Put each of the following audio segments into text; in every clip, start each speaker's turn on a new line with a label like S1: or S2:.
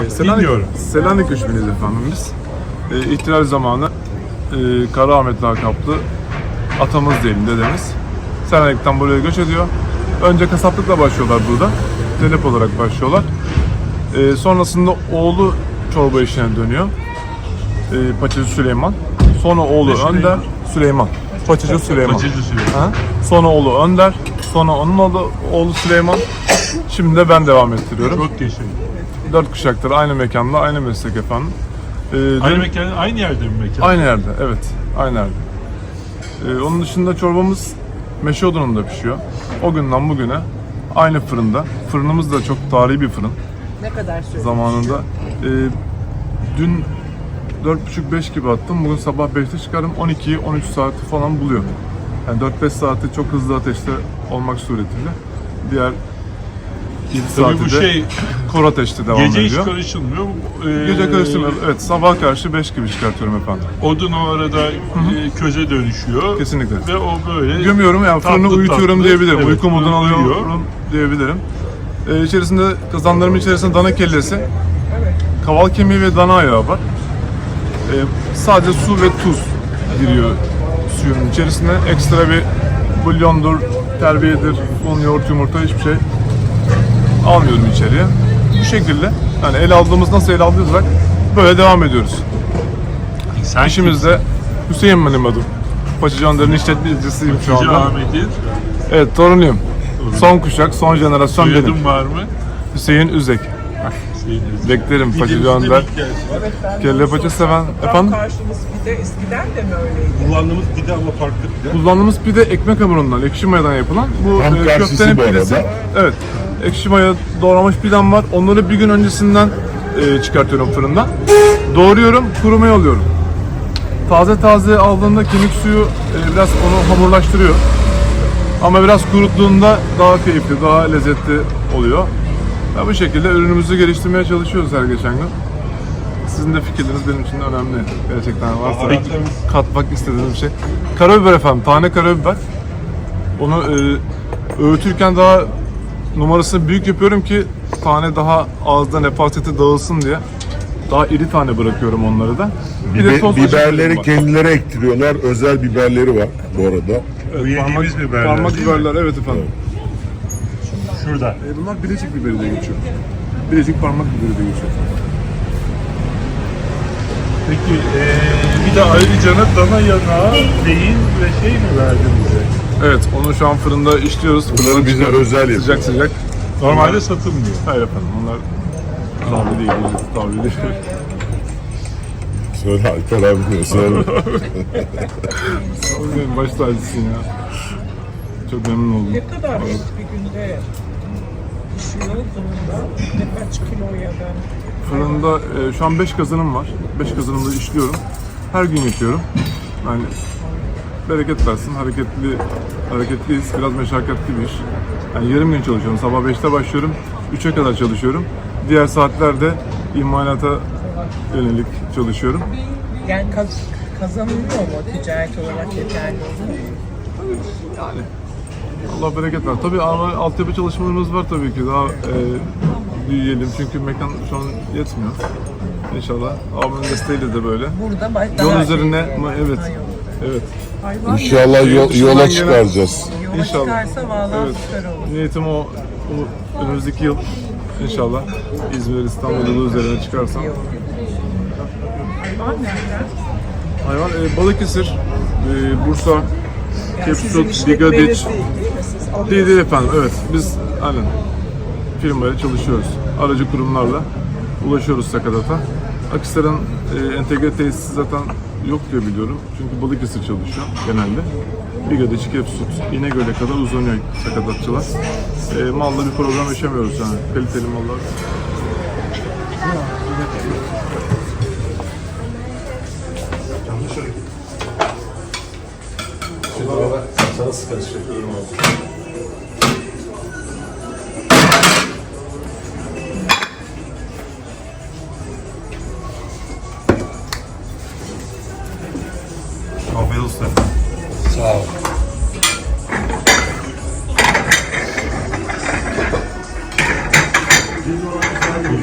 S1: Dinliyorum.
S2: Selanik göçmeniyiz efendim biz. İhtilal zamanı Karaahmet lakaplı atamız diyelim, dedemiz. Selanik'ten buraya göç ediyor. Önce kasaplıkla başlıyorlar burada. Telep olarak başlıyorlar. Sonrasında oğlu çorba işine dönüyor. Paçacı Süleyman. Sonra oğlu Önder Süleyman. Paçacı Süleyman.
S1: Paçacı Süleyman.
S2: Ha? Sonra oğlu Önder. Sonra onun oğlu Süleyman. Şimdi de ben devam ettiriyorum.
S1: Çok teşekkür.
S2: 4 kuşaktır aynı mekanda, aynı meslek efendim.
S1: Aynı mekan, aynı yerde mi mekan?
S2: Aynı yerde, evet. Aynı yerde. Onun dışında çorbamız meşe odununda pişiyor. O günden bugüne aynı fırında. Fırınımız da çok tarihi bir fırın.
S3: Ne kadar süre?
S2: Zamanında. Dün 4.30-5 gibi attım. Bugün sabah 5'te çıkardım. 12'yi 13 saati falan buluyor. Yani 4-5 saati çok hızlı ateşte olmak suretiyle. Diğer 7
S1: Tabii bu
S2: saati de
S1: şey
S2: kor ateşte devam
S1: gece
S2: ediyor.
S1: hiç karışılmıyor.
S2: Gece karıştırmıyor. Evet, sabah karşı 5 gibi çıkartıyorum efendim.
S1: Odun o arada köze dönüşüyor.
S2: Kesinlikle.
S1: Ve o böyle
S2: Gömüyorum, yani fırını
S1: tatlı
S2: uyutuyorum
S1: tatlı,
S2: diyebilirim.
S1: evet,
S2: Uyku moduna
S1: uyuyor.
S2: alıyorum diyebilirim. İçerisinde, kazanlarımın içerisinde dana kellesi, kaval kemiği ve dana ayağı var. Sadece su ve tuz giriyor suyun içerisine. Ekstra bir bulyondur, terbiyedir, un, yoğurt, yumurta hiçbir şey almıyorum içeriye. Bu şekilde, yani ele aldığımız, nasıl ele aldıysak böyle devam ediyoruz.
S1: sen
S2: İşimizde Hüseyin benim adım. Paçacı Önder'in işletmecisiyim şu
S1: Hacı
S2: anda.
S1: Ahmet'in
S2: Evet, torunuyum. Son kuşak, son jenerasyon benim.
S1: soyadın var mı?
S2: Hüseyin Üzek. Beklerim Paçacı Önder. Kelle paça seven. Efendim?
S3: Karşımız pide eskiden de mi öyleydi?
S4: Kullandığımız pide ama farklı pide.
S2: Kullandığımız pide ekmek hamurundan, ekşi mayadan yapılan. Bu
S5: Tam karşısı
S2: köftenin
S5: bu
S2: pidesi.
S5: arada.
S2: Evet. Ekşi maya doğramış pidem var. Onları bir gün öncesinden çıkartıyorum fırından. Doğruyorum, kurumaya alıyorum. Taze taze aldığında kemik suyu biraz onu hamurlaştırıyor. Ama biraz kuruttuğunda daha keyifli, daha lezzetli oluyor. Ya bu şekilde ürünümüzü geliştirmeye çalışıyoruz her geçen gün. Sizin de fikirleriniz benim için önemli. Gerçekten varsa katmak istediğiniz bir şey. Karabiber efendim, tane karabiber. Onu öğütürken daha numarasını büyük yapıyorum ki tane daha ağızda nefaseti dağılsın diye. Daha iri tane bırakıyorum onları da. Bir de toz
S5: Biberleri
S2: var.
S5: kendileri ektiriyorlar. Özel biberleri var bu arada.
S1: Bu yediğimiz biberler
S2: Parmak
S1: değil mi?
S2: biberler, evet efendim.
S1: Şurada.
S2: Bunlar Bilecik biberi diye geçiyor. Bilecik parmak biberi diye geçiyor.
S1: Peki bir de ayrıca dana yanağı, beyin ve şey mi verdin bize?
S2: Evet, onu şu an fırında işliyoruz.
S5: Bunları bize özel
S2: Sıcak
S5: yapıyoruz.
S2: sıcak.
S1: Normalde satılmıyor.
S2: Hayır efendim, onlar tavli değil, tavli değil.
S5: Söyle Alper abi diyor. Söyle.
S2: Benim baş tacısın ya. Çok memnun oldum.
S3: Ne kadar et bir günde pişiyor fırında? Ne kaç kilo ya da?
S2: Fırında şu an 5 kazanım var. 5 kazanımda işliyorum. Her gün yapıyorum. Yani bereket versin. Hareketliyiz. Biraz meşakkatli bir iş. Yani yarım gün çalışıyorum. Sabah 5'te başlıyorum. 3'e kadar çalışıyorum. Diğer saatlerde imalata yönelik çalışıyorum.
S3: Yani kazanılıyor mu ticaret olarak yeterli olur mu?
S2: Yani Allah bereket ver. Tabii ama altyapı çalışmalarımız var tabii ki. Daha büyüyelim çünkü mekan şu an yetmiyor. İnşallah. Abimin desteğiyle de böyle.
S3: Burada
S2: Yol üzerine, evet. Evet.
S5: İnşallah yola çıkaracağız.
S3: Yola
S2: İnşallah.
S3: çıkarsa vallahi
S2: Evet.
S3: süper olur.
S2: Niyetim o önümüzdeki yıl inşallah İzmir, İstanbul yolu üzerine çıkarsam.
S3: Hayvan nereden?
S2: Hayvan Balıkesir, Bursa,
S3: Sizin
S2: Kepsut,
S3: işletmeniz
S2: Digadiç.
S3: değil mi? Siz alıyorsunuz.
S2: Değil efendim, evet. Biz aynen firmayla çalışıyoruz. Aracı kurumlarla ulaşıyoruz Sakatat'a. Akhisar'ın entegre tesisi zaten yok diye biliyorum. Çünkü Balıkesir çalışıyor genelde. Digadiç, Kepsut, İnegöl'e kadar uzanıyor sakatatçılar. Malla bir problem yaşamıyoruz yani. Kaliteli mallar.
S4: Sana sıkı teşekkür abi.
S2: Afiyet olsun.
S4: Sağ ol.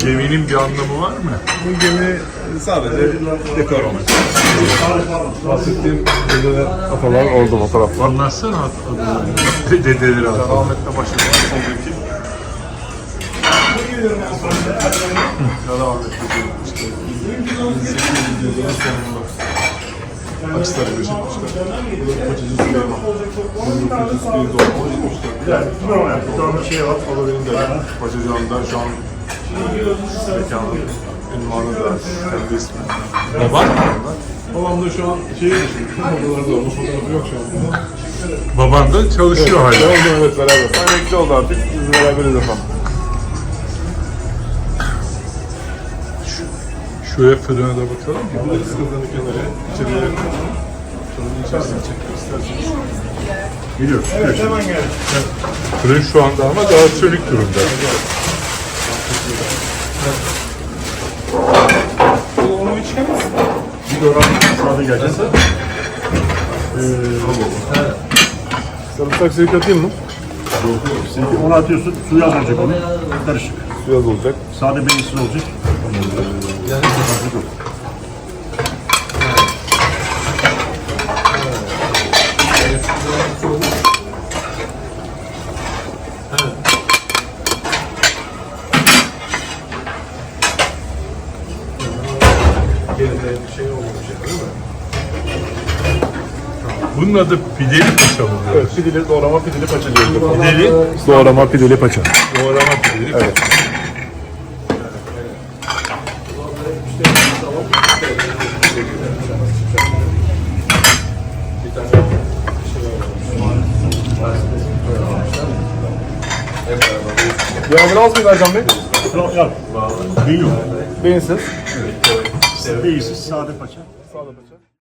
S1: Geminin bir anlamı var mı?
S4: Bu gemi sadece dekor amaçlı.
S2: Bahsettiğim dede atalar orada fotoğraf var.
S1: Anlatsana adını. Dedeleri adı.
S2: Ahmet'le başlayan soldaki. Ya da Ahmet dediğim işte 1800 yılların sonunda Aksaray'a geçirmişler. Bu da Paçacı Süleyman. 1901 doğumlu 74'te. Şu an bir şey var. O da benim dedem. Paçacı Han'da şu an mekanın ünvanı da kendi ismi.
S1: Baban?
S2: Babam da şu an şehir dışı. Odalarda olmuş. Fotoğrafı yok şu an.
S1: Baban da çalışıyor hala.
S2: Devam edelim, evet, beraber. Emekli oldu artık. Biz beraberiz efendim.
S1: Şuraya fırına da bakalım.
S2: Biliriz kızların kenarı. İçeriye fırının içerisine çekmek isterseniz.
S1: Biliyoruz. Fırın şu anda ama daha sönük durumda.
S3: Onu içemez.
S4: Bir de oran sade geleceğiz.
S2: Sarımsak silik atayım mı?
S4: Şimdi onu atıyorsun, suyu az olacak onun. Karışık.
S2: Biraz olacak.
S4: Sade benimsiz olacak.
S1: Bunun adı pideli paça mı?
S2: Evet, pideli, doğrama pideli paça diyoruz.
S1: Pideli,
S2: Doğrama pideli paça.
S1: doğrama pideli paça.
S2: Yağmur az mıydı Ercan Bey?
S4: Yok. Beyin yok.
S2: Beyinsiz.
S4: Beyinsiz, sade paça.
S2: Sağda paça.